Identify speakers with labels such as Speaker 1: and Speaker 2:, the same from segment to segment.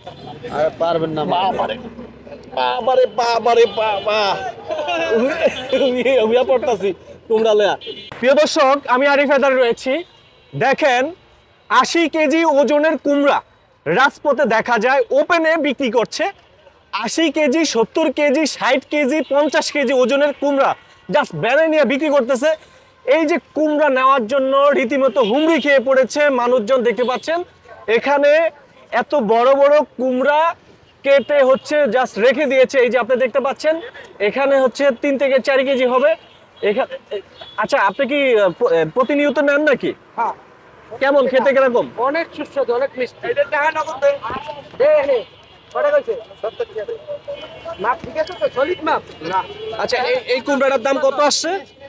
Speaker 1: আর পারবেন না
Speaker 2: বাবারে বাবারে বাবারে বাবা উইয়া পড়তাছি তোমরা লয়া। প্রিয় দর্শক, আমি আরিফ হায়দার রয়েছি। দেখেন 80 কেজি ওজনের কুমড়া রাজপথে দেখা যায়, ওপেনে বিক্রি করছে। 80 কেজি, 70 কেজি, 60 কেজি, 50 কেজি ওজনের কুমড়া জাস্ট ব্যানে নিয়ে বিক্রি করতেছে। এই যে কুমড়া নেওয়ার জন্য রীতিমতো হুমড়ি খেয়ে পড়েছে মানুষজন, দেখতে পাচ্ছেন এখানে এত বড় বড় কুমড়া কেটে হচ্ছে জাস্ট রেখে দিয়েছে। এই যে আপনি দেখতে পাচ্ছেন এখানে হচ্ছে 3 থেকে 4 কেজি হবে এখানে। আচ্ছা, আপনি কি প্রতিনিয়ত নেন নাকি?
Speaker 1: হ্যাঁ,
Speaker 2: কেমন খেতে, কিরকম?
Speaker 1: অনেক সুস্বাদু, অনেক মিষ্টি। এটা টাকা নগদ দে। দে নে। কত কইছে? 70 টাকা দে। মাপ ঠিক আছে তো? সলিড মাপ? না।
Speaker 2: আচ্ছা, এই কুমড়াটার দাম কত আসছে?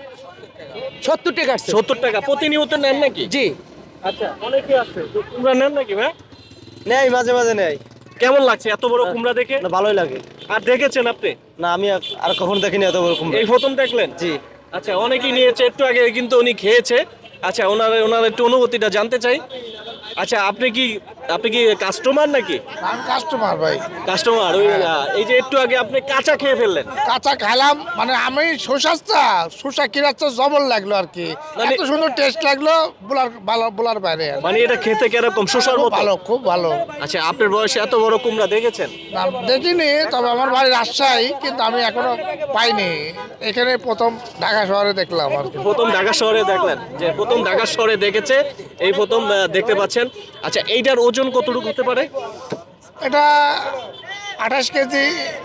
Speaker 1: 70 টাকা আসছে।
Speaker 2: 70 টাকা। প্রতিনিয়ত নেন নাকি?
Speaker 1: জি।
Speaker 2: আচ্ছা, অনেকে আছে তো কুমড়া নেন নাকি ভাই?
Speaker 1: নেই, মাঝে মাঝে নেই।
Speaker 2: কেমন লাগছে এত বড় কুমড়া দেখে?
Speaker 1: না, ভালোই লাগে।
Speaker 2: আর দেখেছেন আপনি?
Speaker 1: না, আমি আর কখনো দেখিনি এত বড় কুমড়া।
Speaker 2: এই প্রথম দেখলেন?
Speaker 1: জি।
Speaker 2: আচ্ছা, অনেকেই নিয়েছে, একটু আগে কিন্তু উনি খেয়েছে। আচ্ছা, ওনার একটু অনুভূতিটা জানতে চাই। আচ্ছা, আপনি কি কাস্টমার নাকি?
Speaker 3: আমি কাস্টমার ভাই।
Speaker 2: কাস্টমার। এই যে একটু আগে আপনি কাঁচা খেয়ে ফেললেন।
Speaker 3: কাঁচা খাইলাম, মানে আমি শসা কিরাচ্ছা জবর লাগলো আর কি।
Speaker 2: মানে-
Speaker 3: এত সুন্দর টেস্ট লাগলো, বলার বাইরে আর কি।
Speaker 2: মানে এটা খেতে কিরকম, শসার
Speaker 3: খুব
Speaker 2: মতো?
Speaker 3: ভালো, খুব ভালো।
Speaker 2: আচ্ছা, আপনার বয়সে এত বড় কুমড়া দেখেছেন?
Speaker 3: না, দেখিনি, তবে আমার বাড়ি রাজশাহী, কিন্তু আমি এখনো পাইনি। এখানে প্রথম ঢাকা শহরে দেখলাম আর কি।
Speaker 2: প্রথম ঢাকা শহরে দেখলেন, যে প্রথম ঢাকা শহরে দেখেছে, এই প্রথম দেখতে পাচ্ছেন। আচ্ছা, এইটার ওজন কতটুকু হতে পারে?
Speaker 3: এটা 28 কেজি,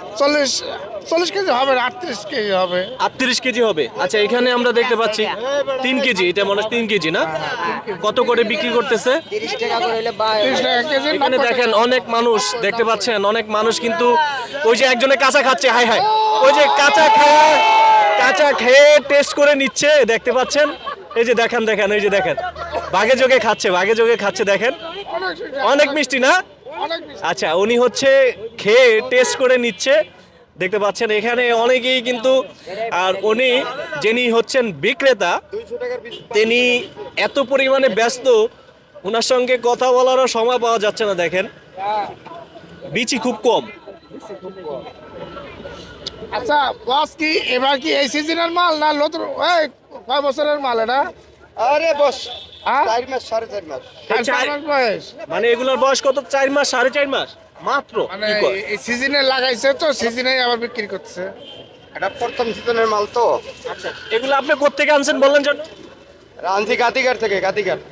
Speaker 3: 40 কেজি হবে, 38 কেজি হবে।
Speaker 2: 38 কেজি হবে। আচ্ছা, এখানে আমরা দেখতে পাচ্ছি 3 কেজি, এটা মনে হয় 3 কেজি না? কত করে বিক্রি করতেছে?
Speaker 3: 30 টাকা কেজি।
Speaker 2: এখানে দেখেন অনেক মানুষ দেখতে পাচ্ছেন, অনেক মানুষ কিন্তু ওই যে একজনে কাঁচা খাচ্ছে, হাই হাই, ওই যে কাঁচা খেয়ে টেস্ট করে নিচ্ছে, দেখতে পাচ্ছেন। এই যে দেখেন, এই যে দেখেন ভাগে যোগে খাচ্ছে, দেখেন অনেক মিষ্টি না?
Speaker 3: অনেক বেশি।
Speaker 2: আচ্ছা, উনি হচ্ছে খেয়ে টেস্ট করে নিচ্ছে, দেখতে পাচ্ছেন এখানে অনেকেই কিন্তু। আর উনি যিনি হচ্ছেন বিক্রেতা, তিনি এত পরিমাণে ব্যস্ত, ওনার সঙ্গে কথা বলারও সময় পাওয়া যাচ্ছে না। দেখেন বিচি খুব কম।
Speaker 3: আচ্ছা বস, কি এবার কি এই সিজনের মাল না নতুন? এই কয় বছরের মাল এটা?
Speaker 1: আরে বস,
Speaker 3: হ্যাঁ?
Speaker 1: 4 মাস, 4.5 মাস।
Speaker 3: চার মাস বয়স।
Speaker 2: মানে এগুলোর বয়স কত? 4 মাস, 4.5 মাস মাত্র?
Speaker 3: মানে
Speaker 2: কি কয়?
Speaker 3: এই সিজনে লাগাইছে তো, সিজনে আবার বিক্রি করছে।
Speaker 1: এটা প্রথম সিজনের মাল তো।
Speaker 2: আচ্ছা, এগুলো আপনি কোত্থেকে আনছেন বললেন যেন?
Speaker 1: রাঞ্চি গাতিঘাট থেকে, গাতিঘাট।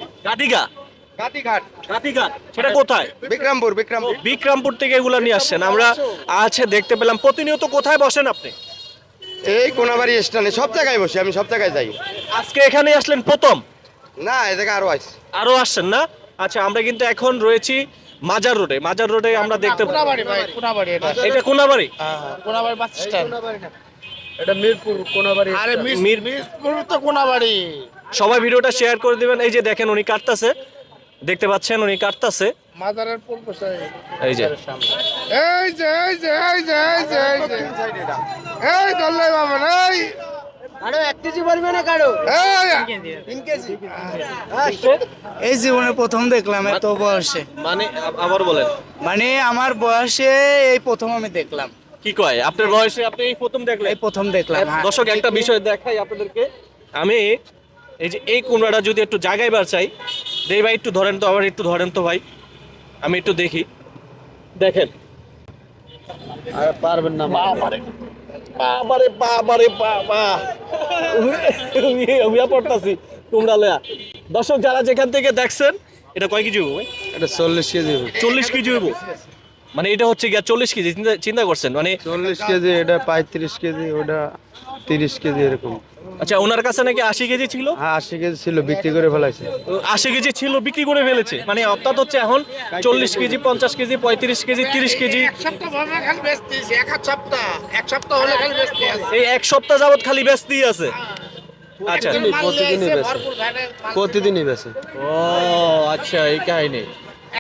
Speaker 2: গাতিঘাট, সেটা কোথায়?
Speaker 1: বিক্রমপুর।
Speaker 2: বিক্রমপুর থেকে এগুলো নিয়ে আসছেন। আমরা আছে দেখতে পেলাম। প্রতিনিয়ত কোথায় বসেন আপনি?
Speaker 1: এই কোনাবাড়ি স্ট্যান্ডে সব জায়গায় বসি, আমি সব জায়গায় যাই।
Speaker 2: আজকে এখানে আসলেন প্রথম?
Speaker 1: না, এ জায়গায় আরো আছে।
Speaker 2: আরো আসছেন না? আচ্ছা, আমরা কিন্তু এখন রয়েছি মাজার রোডে আমরা দেখতে
Speaker 3: কোনাবাড়ি ভাই, কোনাবাড়ি এটা।
Speaker 2: এটা কোনাবাড়ি?
Speaker 3: হ্যাঁ, কোনাবাড়ি বাস স্ট্যান্ড।
Speaker 1: এটা মিরপুর কোনাবাড়ি।
Speaker 3: আরে মিরপুর তো কোনাবাড়ি।
Speaker 2: সবাই ভিডিওটা শেয়ার করে দিবেন। এই যে দেখেন উনি কাটতাছে, দেখতে পাচ্ছেন উনি কাটতাছে।
Speaker 3: মাজারের পূর্ব সাইড।
Speaker 2: এই যে
Speaker 3: এই ধরলে বাবা, এই
Speaker 1: আরো 1 কেজি পারবে না কারো?
Speaker 3: এই
Speaker 1: 3 কেজি।
Speaker 4: এই জীবনে প্রথম দেখলাম এত বয়সে।
Speaker 2: মানে আবার বলেন।
Speaker 4: মানে আমার বয়সে এই প্রথম আমি দেখলাম।
Speaker 2: কি কয় আপনার বয়সে আপনি এই প্রথম দেখলেন?
Speaker 4: এই প্রথম দেখলাম, হ্যাঁ।
Speaker 2: দর্শক, একটা বিষয় দেখাই আপনাদেরকে। আমি এই যে এই কুমড়াটা যদি একটু জায়গায় বার চাই, দেই ভাই, একটু ধরেন তো, আবার একটু ধরেন তো ভাই, আমি একটু দেখি। দেখেন
Speaker 1: আর পারবেন না।
Speaker 2: বাবারে বাবারে বাবারে বাবা উইয়া পড়তাছি তোমরা লয়া। দর্শক, যারা যেখান থেকে দেখছেন, এটা কয় কেজি হইব ভাই?
Speaker 1: এটা 40 কেজি হবে।
Speaker 2: 40 কেজি হইব? মানে এটা হচ্ছে গিয়া 40 কেজি, চিন্তা করছেন মানে।
Speaker 1: 40 কেজি, এটা 35 কেজি, ওটা 30 কেজি এরকম।
Speaker 2: আচ্ছা, ওনার কাছে নাকি 80 কেজি ছিল?
Speaker 1: হ্যাঁ, 80 কেজি ছিল, বিক্রি করে ফেলাইছে।
Speaker 2: 80 কেজি ছিল, বিক্রি করে ফেলেছে। মানে অর্থাৎ হচ্ছে এখন 40 কেজি, 50 কেজি, 35 কেজি, 30 কেজি।
Speaker 3: এক সপ্তাহ ভাবে খালি বেচতেছি, এক সপ্তাহ হলে খালি বেচতে আছে।
Speaker 2: এই এক সপ্তাহ যাবত খালি ব্যস্তই আছে। আচ্ছা,
Speaker 1: প্রতিদিনই বেচে। প্রতিদিনই বেচে।
Speaker 2: ও আচ্ছা, এই কাহিনী।